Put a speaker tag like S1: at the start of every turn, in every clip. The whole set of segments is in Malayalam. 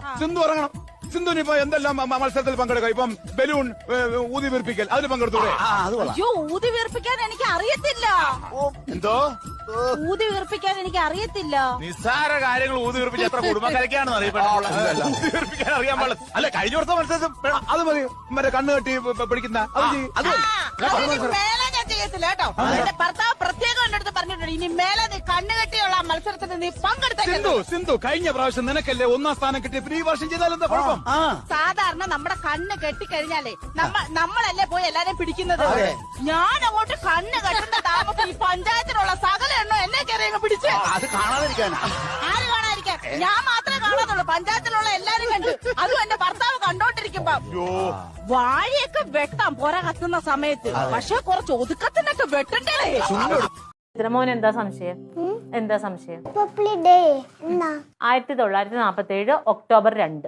S1: സിന്ധു ഇറങ്ങണം. സിന്ധുവിന് ഇപ്പൊ എന്തെല്ലാം മത്സരത്തിൽ പങ്കെടുക്കാം. ഇപ്പം ബലൂൺ ഊതി വീർപ്പിക്കൽ അതിൽ പങ്കെടുത്തൂടെ?
S2: അയ്യോ, ഊതി വീർപ്പിക്കാൻ എനിക്ക് അറിയത്തില്ല.
S1: എന്തോ
S2: ഊതി വീർപ്പിക്കാൻ എനിക്ക് അറിയത്തില്ല.
S3: നിസ്സാര കാര്യങ്ങൾ ഊതി വീർപ്പിച്ച് എത്ര കുടുംബക്കരയ്ക്കാണെന്ന് അറിയപ്പെടുന്നത്. ഊതി വീർപ്പിക്കാൻ അറിയാൻ പാടില്ല. അല്ല, കഴിഞ്ഞ വർഷം മത്സരത്തിൽ
S1: അത് മതി. മറ്റേ കണ്ണ് കെട്ടി പിടിക്കുന്ന അത്
S2: മേലെ ഞാൻ ചെയ്യത്തില്ല കേട്ടോ. എന്റെ ഭർത്താവ് പ്രത്യേകം എന്റെ അടുത്ത് പറഞ്ഞിട്ടുണ്ട്, ഇനി മേലെ നീ കണ്ണുകെട്ടിയുള്ള മത്സരത്തിന് നീ പങ്കെടുത്തോ.
S1: സിന്ധു കഴിഞ്ഞ പ്രാവശ്യം നിനക്കല്ലേ 1ാം സ്ഥാനം കിട്ടിയ ഈ വർഷം ചെയ്താൽ എന്താ കുഴപ്പം?
S2: സാധാരണ നമ്മുടെ കണ്ണ് കെട്ടിക്കഴിഞ്ഞാലേ നമ്മളല്ലേ പോയി എല്ലാരെയും പിടിക്കുന്നത്. ഞാൻ അങ്ങോട്ട് കണ്ണ് കെട്ടുന്ന താമസം ഈ പഞ്ചായത്തിലുള്ള സകല എണ്ണോ എന്നെ കയറി പിടിച്ച്.
S4: അത് കാണാതിരിക്കാനാ.
S2: ആര് കാണാതിരിക്കാൻ? ഞാൻ മാത്രമേ കാണാതുള്ളൂ. പഞ്ചായത്തിലുള്ള എല്ലാരും കണ്ടു. അതും എന്റെ ഭർത്താവ് കണ്ടോണ്ടിരിക്കുമ്പോ. വാഴയൊക്കെ വെട്ടാം പോരാ കത്തുന്ന സമയത്ത്. പക്ഷെ കുറച്ച് ഒതുക്കത്തിനൊക്കെ വെട്ടണ്ടേ.
S5: മോൻ എന്താ സംശയം? എന്താ സംശയം? 1947 ഒക്ടോബർ 2.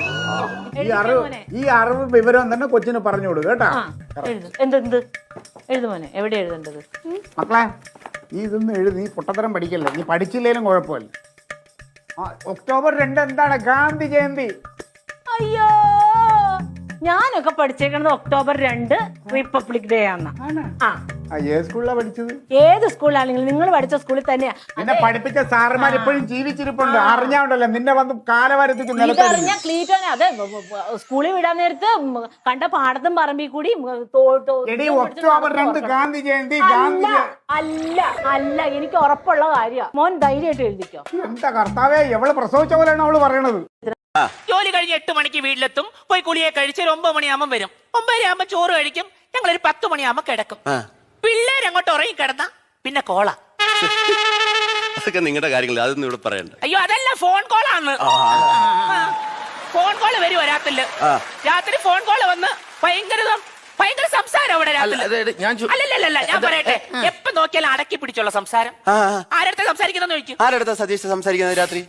S4: ഈ അറിവ് വിവരം തന്നെ കൊച്ചിന് പറഞ്ഞു കൊടുക്കുക കേട്ടാ.
S5: എന്ത് എഴുതുമോനെ? എവിടെ എഴുതേണ്ടത്?
S4: മക്കളെ നീ ഇതൊന്നും എഴുതി, നീ പൊട്ടത്തരം പഠിക്കല്ലേ. നീ പഠിച്ചില്ലേലും കുഴപ്പമില്ല. ഒക്ടോബർ 2 എന്താണ്? ഗാന്ധി ജയന്തി.
S5: അയ്യോ, ഞാനൊക്കെ പഠിച്ചേക്കണത് ഒക്ടോബർ 2 റിപ്പബ്ലിക് ഡേ ആണ്.
S4: ഏത് സ്കൂളിലാ പഠിച്ചത്?
S5: ഏത് സ്കൂളിലാണെങ്കിലും നിങ്ങൾ പഠിച്ച സ്കൂളിൽ തന്നെയാ.
S4: നിന്നെ പഠിപ്പിച്ച സാറുമാർ ഇപ്പോഴും ജീവിച്ചിരിപ്പുണ്ട്. അറിഞ്ഞാണ്ടല്ലോ നിന്നെ വന്ന് കാലവാരത്തേക്ക്
S5: അറിഞ്ഞ ക്ലീറ്റോനെ അതെ സ്കൂളിൽ വിടാൻ നേരത്ത് കണ്ട പാടത്തും പറമ്പിൽ കൂടി
S4: ഒക്ടോബർ 2 ഗാന്ധി ജയന്തി.
S5: അല്ല എനിക്ക് ഉറപ്പുള്ള കാര്യമാണ്. മോൻ ധൈര്യമായിട്ട് എഴുതിക്കോ.
S4: എന്താ കർത്താവേ, എവള് പ്രസവിച്ച പോലെയാണ് അവള് പറയണത്.
S6: ജോലി കഴിഞ്ഞ് 8 മണിക്ക് വീട്ടിലെത്തും. പോയി കുളിയെ കഴിച്ച് 9 മണിയാകുമ്പോൾ വരും. 9 ആകുമ്പോ ചോറ് കഴിക്കും. ഞങ്ങളൊരു 10 മണിയാകുമ്പോ കിടക്കും. പിള്ളേരങ്ങോട്ട് ഉറങ്ങി കിടന്ന പിന്നെ കോള.
S7: അതൊക്കെ നിങ്ങളുടെ കാര്യങ്ങൾ, അതൊന്നും ഇവിടെ പറയണ്ട.
S6: അയ്യോ, അതല്ല, ഫോൺ കോളാണ്. ഫോൺ കോള് വരും രാത്രില്. രാത്രി ഫോൺ കോള് വന്ന് ഭയങ്കര സംസാരം അവിടെ രാത്രി. അല്ലല്ല, ഞാൻ പറയട്ടെ, എപ്പോ നോക്കിയാലും അടക്കി പിടിച്ചുള്ള സംസാരം. ആരടുത്ത സംസാരിക്കുന്ന ചോദിക്കും.
S7: ആരടുത്താ സതീഷ് സംസാരിക്കുന്നത് രാത്രി?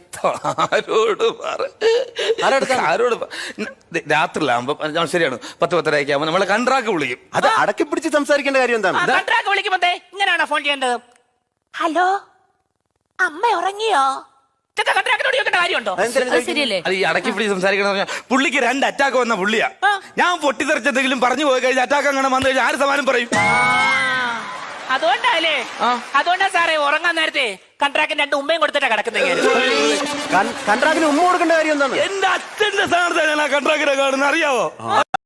S3: ആരോട് രാത്രിയിലാകുമ്പോ ശരിയാണ് 10-10:30 ആകുമ്പോ നമ്മളെ കൺട്രാക്ട് വിളിക്കും.
S7: അത് അടക്കി പിടിച്ച് സംസാരിക്കേണ്ട കാര്യം എന്താണ്?
S6: കൺട്രാക്ട് വിളിക്കുമ്പോ ഇങ്ങനെയാണോ ഫോൺ ചെയ്യേണ്ടത്? ഹലോ, അമ്മ ഉറങ്ങിയോ? കാര്യമുണ്ടോ?
S3: അത് ഈ അടക്കി പിടിച്ച് സംസാരിക്കണമെന്ന് പറഞ്ഞാൽ പുള്ളിക്ക് 2 അറ്റാക്ക് വന്ന പുള്ളിയാ. ഞാൻ പൊട്ടിത്തെറിച്ചെന്തെങ്കിലും പറഞ്ഞു പോയി കഴിഞ്ഞാൽ അറ്റാക്ക് അങ്ങനെ വന്നു കഴിഞ്ഞാൽ ആര് സമാനം പറയും?
S6: അതുകൊണ്ടല്ലേ? അതുകൊണ്ടാ സാറേ ഉറങ്ങാൻ നേരത്തെ കൺട്രാക്ടിന് 2 ഉമ്മയും കൊടുത്തിട്ടാ കിടക്കുന്നത്.
S7: കൺട്രാക്ടിന് ഉമ്മ കൊടുക്കേണ്ട കാര്യം എന്താണ്?
S3: എന്റെ അച്ഛന്റെ സ്ഥാനത്താണ് ഞാൻ ആ കൺട്രാക്ടിനെ കാണുന്നത്, അറിയാവോ?